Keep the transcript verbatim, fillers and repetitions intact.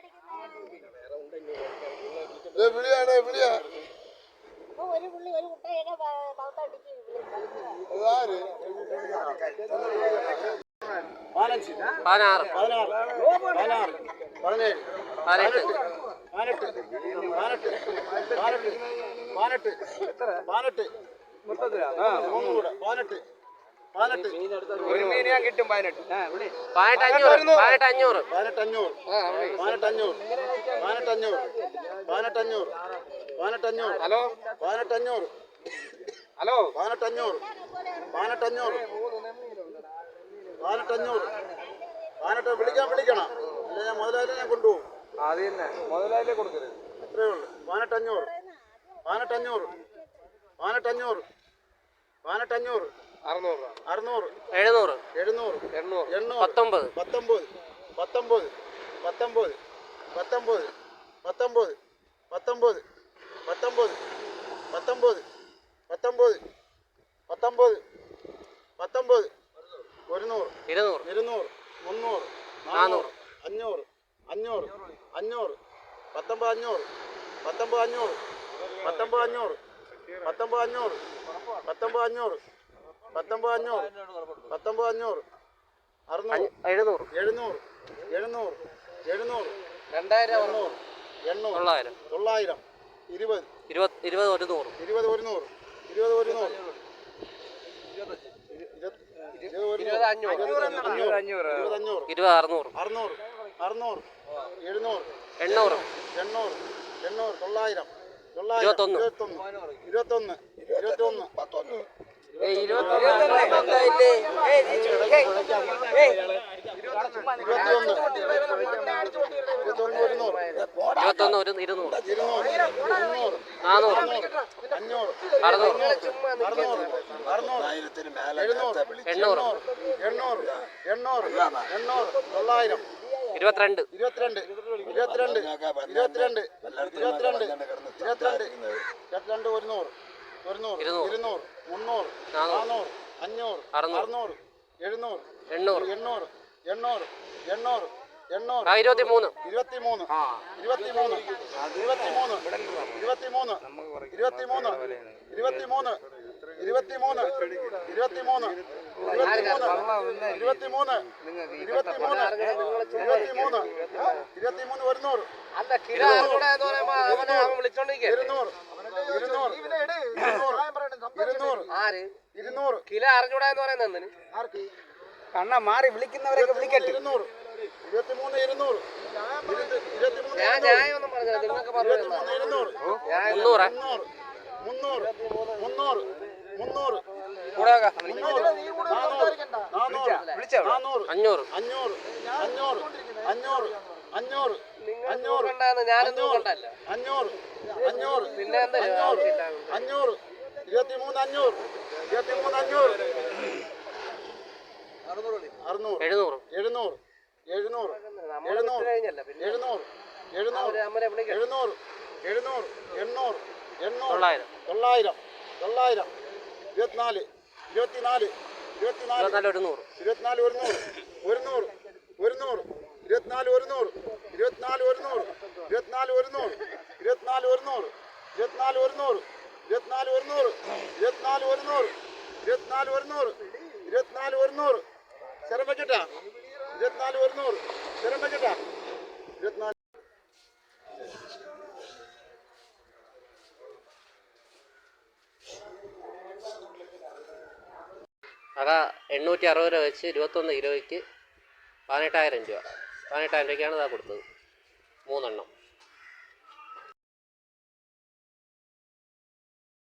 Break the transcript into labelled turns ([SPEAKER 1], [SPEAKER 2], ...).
[SPEAKER 1] വിളിയാണ് വിളിയാ
[SPEAKER 2] ഒരു പുള്ളി ഒരു കുട്ടയൊക്കെ പൗത്തടിച്ച്
[SPEAKER 3] പതിനാറ്
[SPEAKER 1] പതിനാറ് പതിനേഴ്
[SPEAKER 3] പതിനെട്ട്
[SPEAKER 1] പതിനെട്ട് പതിനെട്ട് പതിനെട്ട് പതിനെട്ട് മൂന്നും കൂടെ പതിനെട്ട് പതിനെട്ട്
[SPEAKER 4] ഒരു മീൻ ഞാൻ കിട്ടും പതിനെട്ട്
[SPEAKER 3] പതിനെട്ട് അഞ്ഞൂറ് പതിനെട്ട് അഞ്ഞൂറ്
[SPEAKER 1] പതിനെട്ട് അഞ്ഞൂറ് പതിനെട്ട് അഞ്ഞൂറ് പതിനെട്ട് അഞ്ഞൂറ് പതിനെട്ട് അഞ്ഞൂറ് പതിനെട്ട് അഞ്ഞൂറ്
[SPEAKER 4] ഹലോ
[SPEAKER 1] പതിനെട്ട് അഞ്ഞൂറ്
[SPEAKER 4] ഹലോ
[SPEAKER 1] പതിനെട്ട് അഞ്ഞൂറ് പതിനെട്ട് അഞ്ഞൂറ് പതിനെട്ട് അഞ്ഞൂറ് പതിനെട്ട് വിളിക്കാൻ വിളിക്കണം അല്ലെ ഞാൻ മുതലായാലും ഞാൻ കൊണ്ടുപോകും
[SPEAKER 4] അത് തന്നെ മുതലായാലേ കൊടുക്കരുത്
[SPEAKER 1] അത്രയേ ഉള്ളൂ പതിനെട്ട് അഞ്ഞൂറ് പതിനെട്ട് അഞ്ഞൂറ് പതിനെട്ട് അഞ്ഞൂറ് പതിനെട്ട് അഞ്ഞൂറ്
[SPEAKER 4] അറുന്നൂറ്
[SPEAKER 1] അറുന്നൂറ്
[SPEAKER 3] എഴുന്നൂറ്
[SPEAKER 1] എഴുന്നൂറ്
[SPEAKER 4] എണ്ണൂറ്
[SPEAKER 1] എണ്ണൂറ്
[SPEAKER 3] പത്തൊമ്പത്
[SPEAKER 1] പത്തൊമ്പത് പത്തൊമ്പത് പത്തൊമ്പത് പത്തൊമ്പത് പത്തൊമ്പത് പത്തൊമ്പത് പത്തൊമ്പത് പത്തൊമ്പത് പത്തൊമ്പത് പത്തൊമ്പത് പത്തൊമ്പത് ഒരുന്നൂറ്
[SPEAKER 3] ഇരുന്നൂറ്
[SPEAKER 1] ഇരുന്നൂറ് മുന്നൂറ്
[SPEAKER 3] നാനൂറ്
[SPEAKER 1] അഞ്ഞൂറ് അഞ്ഞൂറ് അഞ്ഞൂറ് പത്തൊമ്പത് അഞ്ഞൂറ് പത്തൊമ്പത് അഞ്ഞൂറ് പത്തൊമ്പത് അഞ്ഞൂറ് പത്തൊമ്പത് അഞ്ഞൂറ് പത്തൊമ്പത് അഞ്ഞൂറ് പത്തൊമ്പത് അഞ്ഞൂറ് പത്തൊമ്പത് അഞ്ഞൂറ് അറുന്നൂറ്
[SPEAKER 3] എഴുന്നൂറ്
[SPEAKER 1] എഴുന്നൂറ് എഴുന്നൂറ് എഴുന്നൂറ്
[SPEAKER 4] രണ്ടായിരം
[SPEAKER 1] എണ്ണൂറ് എണ്ണൂറ്
[SPEAKER 3] തൊള്ളായിരം
[SPEAKER 1] തൊള്ളായിരം ഇരുപത്
[SPEAKER 3] ഇരുപത് ഇരുപത് ഒരുന്നൂറ്
[SPEAKER 1] ഇരുപത് ഒരുന്നൂറ് ഇരുപത് ഒരുന്നൂറ്
[SPEAKER 4] ഇരുപത് അഞ്ഞൂറ് ഇരുപത് അഞ്ഞൂറ്
[SPEAKER 1] ഇരുപത് അഞ്ഞൂറ്
[SPEAKER 3] ഇരുപത് അറുന്നൂറ്
[SPEAKER 1] അറുന്നൂറ് അറുന്നൂറ് എഴുന്നൂറ്
[SPEAKER 3] എണ്ണൂറ്
[SPEAKER 1] എണ്ണൂറ് എണ്ണൂറ് തൊള്ളായിരം തൊള്ളായിരം
[SPEAKER 3] ഇരുപത്തൊന്ന്
[SPEAKER 1] ഇരുപത്തൊന്ന് ഇരുപത്തൊന്ന് ഇരുപത്തൊന്ന്
[SPEAKER 3] ഇരുപത്തൊന്ന് ഒരു ഇരുന്നൂറ്
[SPEAKER 1] ഇരുന്നൂറ്
[SPEAKER 3] നാനൂറ്
[SPEAKER 1] അഞ്ഞൂറ്
[SPEAKER 3] അറുന്നൂറ്
[SPEAKER 1] അറുന്നൂറ് അറുന്നൂറ് എഴുന്നൂറ്
[SPEAKER 3] എണ്ണൂറ്
[SPEAKER 1] എണ്ണൂറ് എണ്ണൂറ് എണ്ണൂറ് തൊള്ളായിരം
[SPEAKER 3] ഇരുപത്തിരണ്ട്
[SPEAKER 1] ഇരുപത്തിരണ്ട് ഇരുപത്തിരണ്ട് ഇരുപത്തിരണ്ട് ഇരുപത്തിരണ്ട് ഇരുപത്തിരണ്ട് ഇരുപത്തിരണ്ട് ഒരുന്നൂറ് ഒരുന്നൂറ് ഇരുന്നൂറ് മുന്നൂറ് നാനൂറ് അഞ്ഞൂറ് അറുന്നൂറ് എഴുന്നൂറ്
[SPEAKER 3] എണ്ണൂറ്
[SPEAKER 1] എണ്ണൂറ് എണ്ണൂറ് എണ്ണൂറ് എണ്ണൂറ്
[SPEAKER 3] ഇരുപത്തി മൂന്ന്
[SPEAKER 1] ഇരുപത്തി മൂന്ന് ഇരുപത്തി മൂന്ന് ഇരുപത്തി മൂന്ന് ഇരുപത്തി മൂന്ന് ഇരുപത്തി മൂന്ന് ഇരുപത്തി മൂന്ന് ഇരുപത്തി മൂന്ന് ഇരുപത്തി മൂന്ന് ഇരുപത്തി മൂന്ന് ഇരുപത്തി മൂന്ന് ഇരുപത്തി മൂന്ന് ഇരുപത്തി മൂന്ന് ഒരുന്നൂറ് ഇരുന്നൂറ് ഇരുന്നൂറ് ഇരുന്നൂറ് ഇരുന്നൂറ്
[SPEAKER 4] കിലോ അറിഞ്ഞൂടാ എന്ന് പറയുന്നത്
[SPEAKER 1] കണ്ണ മാറി വിളിക്കുന്നവരൊക്കെ വിളിക്കട്ടെ ഇരുന്നൂറ് ഇരുപത്തി മൂന്ന് ഇരുന്നൂറ്
[SPEAKER 4] ഞാൻ ന്യായമൊന്നും പറഞ്ഞില്ല നിങ്ങൾക്ക് പറഞ്ഞു
[SPEAKER 1] ഇരുന്നൂറ്
[SPEAKER 3] മുന്നൂറ്
[SPEAKER 1] മുന്നൂറ് മുന്നൂറ് മുന്നൂറ്
[SPEAKER 3] അഞ്ഞൂറ്
[SPEAKER 1] അഞ്ഞൂറ് അഞ്ഞൂറ് അഞ്ഞൂറ് അഞ്ഞൂറ് അഞ്ഞൂറ്
[SPEAKER 4] ഞാനൊന്നും കണ്ടല്ല
[SPEAKER 1] അഞ്ഞൂറ് അഞ്ഞൂറ്
[SPEAKER 4] പിന്നെ എന്താ
[SPEAKER 1] അഞ്ഞൂറ് ഇരുപത്തി മൂന്ന് അഞ്ഞൂറ് ഇരുപത്തി മൂന്ന് അഞ്ഞൂറ് അറുന്നൂറ്
[SPEAKER 3] എഴുന്നൂറ്
[SPEAKER 1] എഴുന്നൂറ് എഴുന്നൂറ് എഴുന്നൂറ് എഴുന്നൂറ് എഴുന്നൂറ് എഴുന്നൂറ് എഴുന്നൂറ് എണ്ണൂറ് എണ്ണൂറ്
[SPEAKER 3] തൊള്ളായിരം
[SPEAKER 1] തൊള്ളായിരം തൊള്ളായിരം ഇരുപത്തിനാല് ഇരുപത്തിനാല് ഇരുപത്തിനാല്
[SPEAKER 3] ഇരുപത്തിനാല് ഒരുന്നൂറ്
[SPEAKER 1] ഇരുപത്തിനാല് ഒരുന്നൂറ് ഒരുന്നൂറ് ഒരുന്നൂറ് ഇരുപത്തിനാല് ഒരുന്നൂറ് ഇരുപത്തിനാല് ഒരുന്നൂറ് ഇരുപത്തിനാല് ഒരുന്നൂറ് ഇരുപത്തിനാല് ഒരുന്നൂറ് ഇരുപത്തിനാല് ഒരുന്നൂറ് ഇരുപത്തിനാല് ഒരുന്നൂറ് ഇരുപത്തിനാല് ഒരുന്നൂറ് ഇരുപത്തിനാല് ഒരുന്നൂറ് ഇരുപത്തിനാല് ഒരുന്നൂറ് സ്ഥലം വെച്ചിട്ടാ ഇരുപത്തിനാല് ഒരുന്നൂറ് സ്ഥലം വെച്ചിട്ടാ ഇരുപത്തിനാല്
[SPEAKER 3] അതാ എണ്ണൂറ്റി അറുപത് രൂപ വെച്ച് ഇരുപത്തൊന്ന് കിലോയ്ക്ക് പതിനെട്ടായിരം രൂപ പതിനെട്ടായിരം രൂപയ്ക്കാണ് ഇതാ കൊടുത്തത് മൂന്നെണ്ണം.